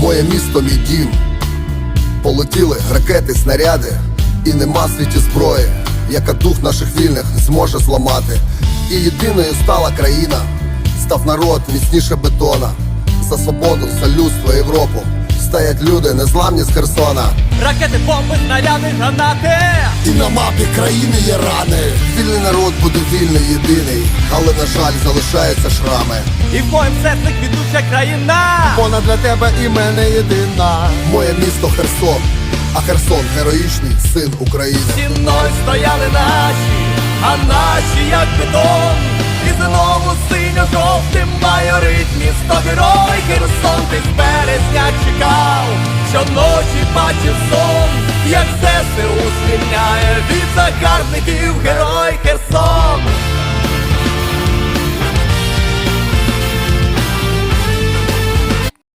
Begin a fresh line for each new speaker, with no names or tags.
Моє місто, мій дім. Полетіли ракети, снаряди, і нема в світі зброї, яка дух наших вільних зможе зламати. І єдиною стала країна, став народ міцніше бетона. За свободу, за людство, Європу стоять люди, незламні з Херсона.
Ракети, бомби, снаряди, гранати.
І на мапі країни є рани. Вільний народ буде вільний, єдиний, але, на жаль, залишаються шрами.
І в моїм серці квітуча країна.
Вона для тебе і мене єдина. Моє місто Херсон, а Херсон героїчний син України.
Стіною стояли наші, а наші як бетон. І знову синьо-жовтим майорить місто герой Херсон.